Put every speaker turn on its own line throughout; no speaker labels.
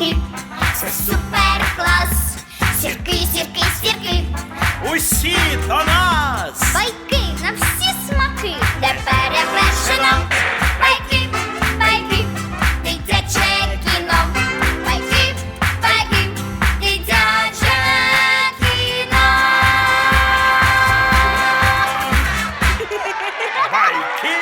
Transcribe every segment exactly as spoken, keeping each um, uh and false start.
сірки, це супер клас. Сірки, сірки, сірки,
Усі до нас!
байки на всі смаки, де перевершено. Байки, байки, дитяче кіно. Байки, байки, дитяче кіно.
Байки!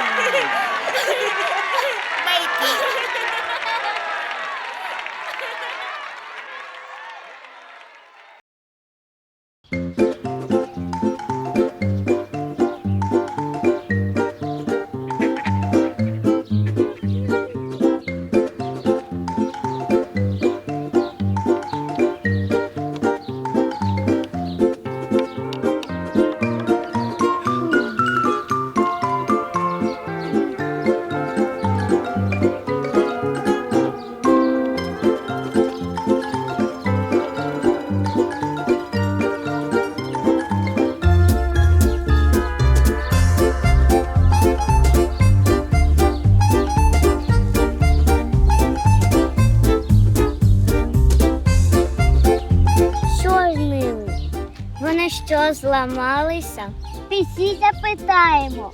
Що з ними? Вони що, зламалися? Пісі запитаємо.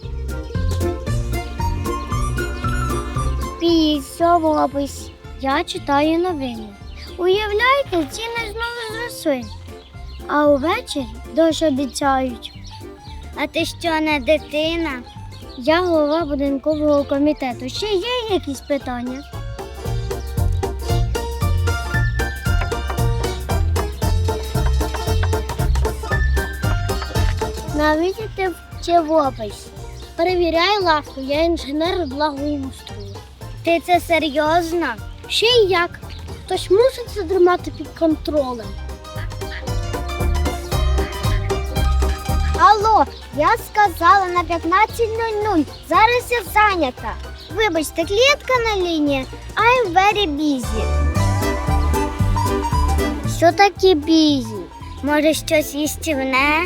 Пісь, що робиш? Я читаю новини. Уявляєте, ціни знову зросли. А увечері дощ обіцяють. А ти що, не дитина? Я голова будинкового комітету. Ще є якісь питання? Навіщо ти вчивопись? Перевіряй лавку, я інженер благоустрою. Ти це серйозно? Ще й як? Хтось мусить це тримати під контролем. Алло, я сказала на п'ятнадцять нуль нуль. Зараз я зайнята. Вибачте, клієнтка на лінії. I'm very busy. Що таке busy? Може, щось їстівне?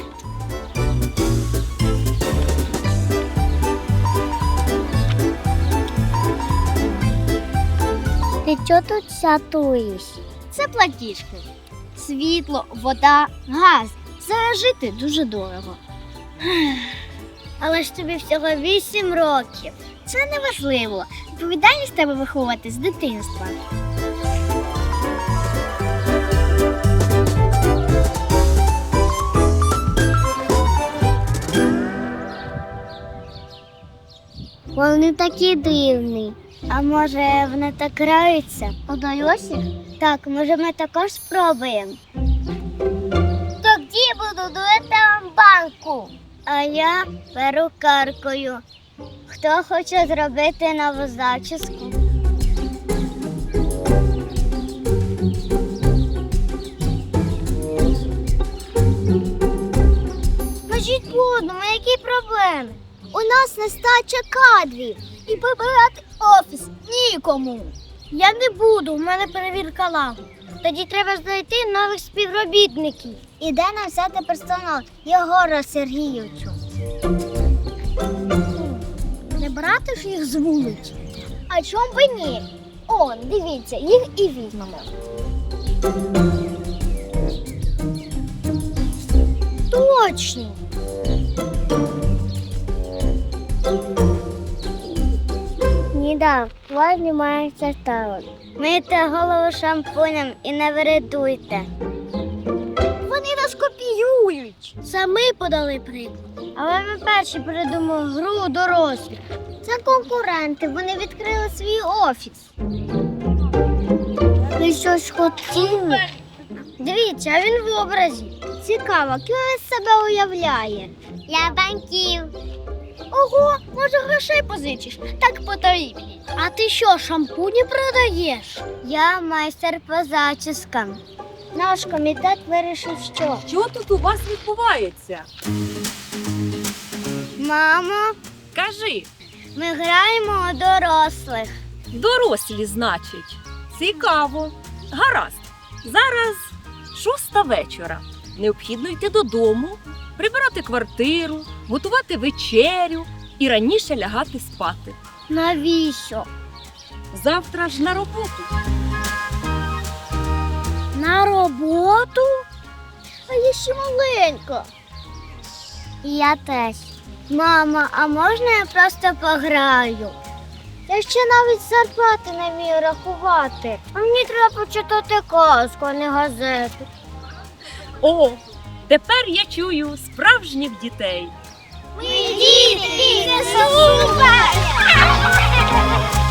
Ти чого тут сатуєш? Це платіжки. Світло, вода, газ. Зараз жити дуже дорого. Але ж тобі всього вісім років. Це не важливо. Відповідальність тебе виховувати з дитинства. Вони такі дивні. А може вони так граються? У дорозі? Так, може ми також спробуємо. Тоді буду дуетом банку. А я перукаркою. Хто хоче зробити нову зачіску? Кажіть по-одному, які проблеми? У нас нестача кадрів і прибирати офіс нікому. Я не буду, у мене перевірка лагу. Тоді треба знайти нових співробітників. І де нам взяти персонал? Єгора Сергійовичу. Не брати ж їх з вулиці? А чому би ні? О, дивіться, їх і візьмемо. Точно! Ніда, вас немає ставок. Мийте голову шампунем і не вередуйте. Вони нас копіюють. Це ми подали приклад. Але ми перші придумали гру дорослих. Це конкуренти, вони відкрили свій офіс. Ви щось хотіли? Дивіться, а він в образі. Цікаво, ким він себе уявляє? Я банків. Ого, може грошей позичиш? Так потрібні. А ти що, шампуні продаєш? Я майстер по зачіскам. Наш комітет вирішив, що...
Що тут у вас відбувається?
Мамо,
Кажи,
ми граємо у дорослих.
дорослі, значить. Цікаво. Гаразд. Зараз шоста вечора. Необхідно йти додому, прибирати квартиру, готувати вечерю і раніше лягати спати.
Навіщо?
Завтра ж на роботу.
На роботу? А я ще маленька. Я теж. Мама, а можна я просто пограю? Я ще навіть зарплати не вмію рахувати. А мені треба почитати казку, а не газету.
О, тепер я чую справжніх дітей.
Ми діти, це супер!